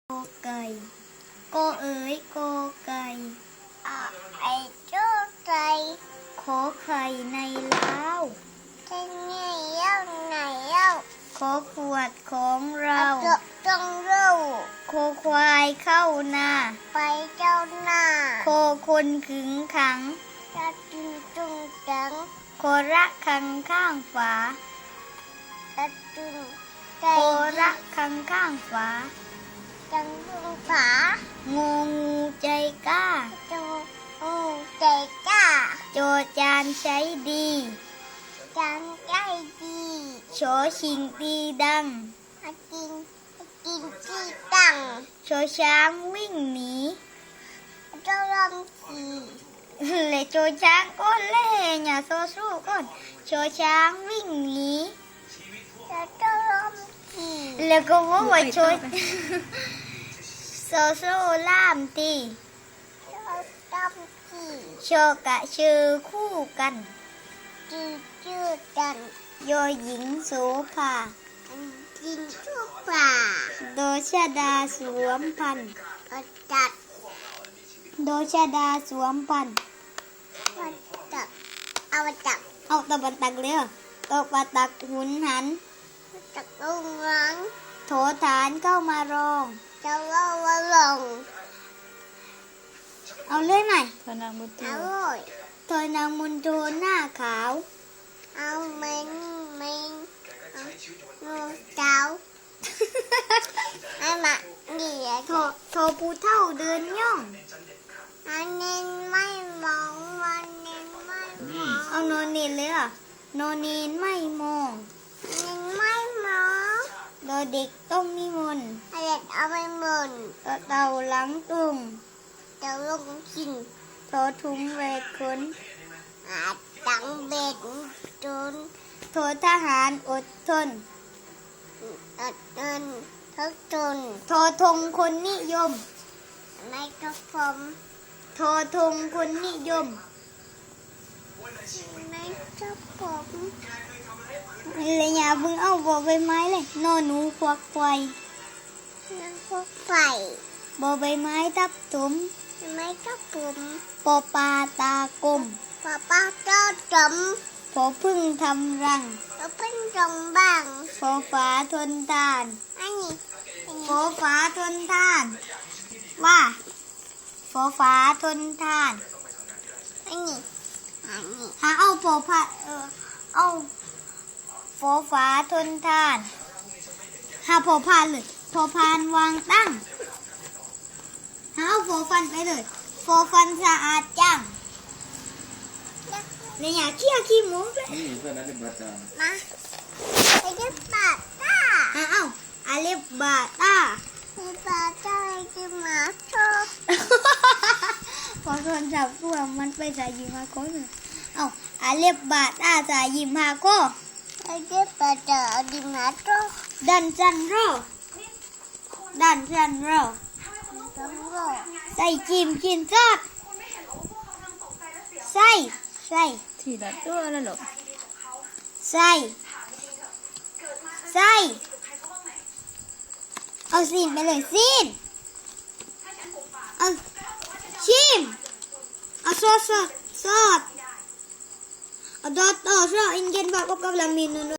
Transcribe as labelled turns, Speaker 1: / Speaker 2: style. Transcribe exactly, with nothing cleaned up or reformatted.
Speaker 1: โกไก่โกเอ๋ยโกไก่
Speaker 2: อะไอโจ้ไก่
Speaker 1: ขอไข่ในเล้า
Speaker 2: ที่นี่เย้าไหนเย้า
Speaker 1: ขอขวดของเรา
Speaker 2: จะต้องเล่า
Speaker 1: โคควายเข้านา
Speaker 2: ไปเจ้าหน้า
Speaker 1: โคคนขึงขัง
Speaker 2: จะจึงจุงจัง
Speaker 1: โคระคังข้างฝา
Speaker 2: จะจึงใจ
Speaker 1: โคระคังข้างฝา
Speaker 2: จังจุงผา
Speaker 1: งูงูใจกล้า
Speaker 2: จุงอูใจกล้า
Speaker 1: โจจานใช้ดี
Speaker 2: จังใจดี
Speaker 1: โฉชิงตีดัง
Speaker 2: อากินอากินที่ตั้ง
Speaker 1: โฉช้างวิ่งหนี
Speaker 2: เจ้าลำสี
Speaker 1: เลยโจช้างก้นเล่อย่าโซสู้ก้นโจช้างวิ่งหนี
Speaker 2: จะเจ้าลำสี
Speaker 1: แล้วก็ว่าว่าโจโซสู้ล่ามตี
Speaker 2: เจ้าลำสี
Speaker 1: โชกะชื่อคู่กัน
Speaker 2: จืดจืดกัน
Speaker 1: โยหญิงโสภา
Speaker 2: กินทุกป่า
Speaker 1: โดชาดาสวมพันธุ์
Speaker 2: เอาจัด
Speaker 1: โดชาดาสวมพันธุ์
Speaker 2: มาจับเอามาจับ
Speaker 1: เอาตะบันตักเลยเหรอตะบันตักหุนหัน
Speaker 2: จับลูกหลัง
Speaker 1: โถฐานเข้ามารอง
Speaker 2: จะเล่าว่าลง
Speaker 1: เอาเลื่อยใหม่
Speaker 3: พนางบุต
Speaker 2: อ
Speaker 3: ร
Speaker 2: ร่อย
Speaker 1: ถอยนางมุนโทนหน้าขาว
Speaker 2: เอาเมนเมนเอานูเจ้าไอ้มาเดี๋ยว
Speaker 1: โทโทผู้เท่าเดินย่อง
Speaker 2: อันนี้ไม่มองวันนี้ไม่มอง
Speaker 1: เอาโนเนนเลยเหรอ่ะโนเนนไม่มอง
Speaker 2: อันนี้ไม่มอง
Speaker 1: โดเด็กต้องนิมนต์
Speaker 2: ไอ้เด็กเอาไปหมุน
Speaker 1: ต่อเต่าหลังตุง
Speaker 2: จะลงกิน
Speaker 1: โททุงแวกขน
Speaker 2: อาตังเบ็ดจน
Speaker 1: โททหารอดทน
Speaker 2: อัดเงินทุกจน
Speaker 1: โททงคนนิยม
Speaker 2: ไม่ก็ผม
Speaker 1: โททงคนนิยม
Speaker 2: ไม่ก็ผม
Speaker 1: เลยอย่าเพิ่งเอาบอใบไม้เลยนอหนูควักไฟ
Speaker 2: นั่งพวกไฟ
Speaker 1: บอใบไม้ทับถม
Speaker 2: ไม่ก็ผม
Speaker 1: ปอปลาตากลม
Speaker 2: ป้าป้าเจ้าจม
Speaker 1: พอพึ่งทำรัง
Speaker 2: แล้วเป็นจงบ้าง
Speaker 1: พอฝาทนทาน
Speaker 2: อันนี้
Speaker 1: พอฝาทนทาน ว่าพอฝาทนทาน
Speaker 2: อันนี้อันนี้
Speaker 1: หาเอาพอพาเออเอาพอฝาทนทานหาพอพานเลยพอพานวางตั้งหาเอาพอฟันไปเลยพอฟันสะอาดจังเนี่ยอย่าเคี้ยวขี้หมูด้วย
Speaker 3: นี่เพื่อนนักเรียนประจำ
Speaker 2: มาไปจะปาดตา
Speaker 1: หาเอาอาเล็บบาตา
Speaker 2: ไปปาดตาจะมาโชว์
Speaker 1: พอโทนจับตัวมันไปสายยิมฮาโก้เลยเอาอาเล็บบาตาสายยิมฮาโก้
Speaker 2: ไปจะปาดตาจะมาโชว์
Speaker 1: ดันจันโรดันจันโร
Speaker 2: ต้องโง่
Speaker 1: ใส่จิมกินซอสใส่ใส่
Speaker 3: ทีละตัวแล้วหรอ
Speaker 1: ใส่ใส่เอาซีนไปเลยซีนเอาชิมเอาซอสซอสซอสเอาดอตโต้ซอสอินเดียนแบบกับกำลังมีนูน